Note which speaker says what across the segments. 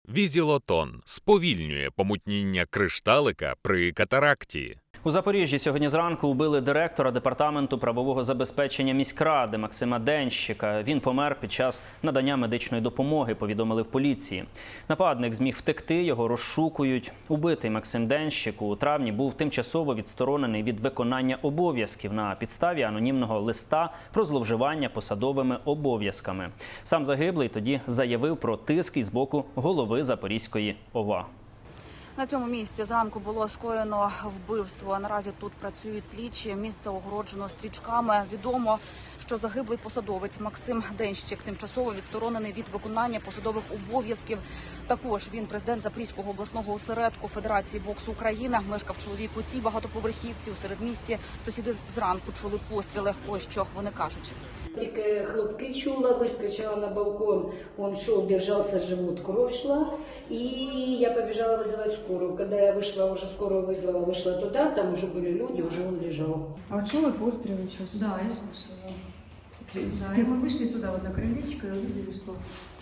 Speaker 1: Візілотон сповільнює помутніння кришталика при катаракті.
Speaker 2: У Запоріжжі сьогодні зранку убили директора департаменту правового забезпечення міськради Максима Денщика. Він помер під час надання медичної допомоги, повідомили в поліції. Нападник зміг втекти, його розшукують. Убитий Максим Денщик у травні був тимчасово відсторонений від виконання обов'язків на підставі анонімного листа про зловживання посадовими обов'язками. Сам загиблий тоді заявив про тиск із боку голови Запорізької ОВА.
Speaker 3: На цьому місці зранку було скоєно вбивство. Наразі тут працюють слідчі. Місце огороджено стрічками. Відомо, що загиблий посадовець Максим Денщик тимчасово відсторонений від виконання посадових обов'язків. Також він президент Запорізького обласного осередку Федерації боксу України. Мешкав чоловік у цій багатоповерхівці у середмісті. Сусіди зранку чули постріли. Ось що вони кажуть.
Speaker 4: Тільки хлопки чула, вискочила на балкон, он шел, держался живот, кровь шла, и я побежала вызывать скорую. Когда я вышла, уже скорую вызвала, вышла туда, там уже были люди, уже он лежал.
Speaker 5: А чула пострелы сейчас?
Speaker 4: Да, я слышала.
Speaker 5: Да, и мы вышли сюда вот на крылечко и увидели, что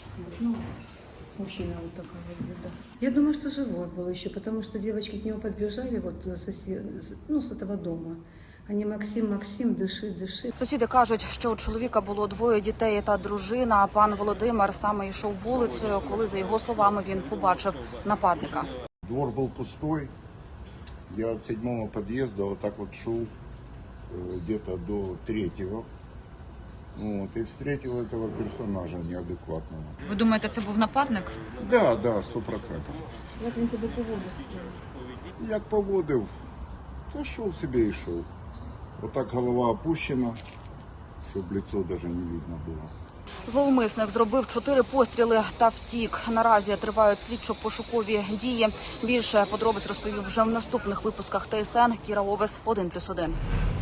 Speaker 5: мужчина вот такой вот, да. Я думаю, что живой был еще, потому что девочки к нему подбежали вот с этого дома. Ані Максим, диши.
Speaker 3: Сусіди кажуть, що у чоловіка було двоє дітей та дружина. А пан Володимир саме йшов вулицею, коли, за його словами, він побачив нападника.
Speaker 6: Двор был пустой. Я от 7-го подъезда вот так вот шел где-то до 3-го. Вот, и встретил этого персонажа неадекватного.
Speaker 3: Ви думаєте, це був нападник?
Speaker 6: Да, 100%.
Speaker 5: Як він себе поводив?
Speaker 6: Як поводив, то шел себе и шел. Вот так голова опущена, чтобы лицо даже не видно было.
Speaker 3: Зловмисник зробив 4 постріли та втік. Наразі тривають слідчо-пошукові дії. Більше подробиць розповів вже в наступних випусках ТСН. Кіра Овес, 1+1.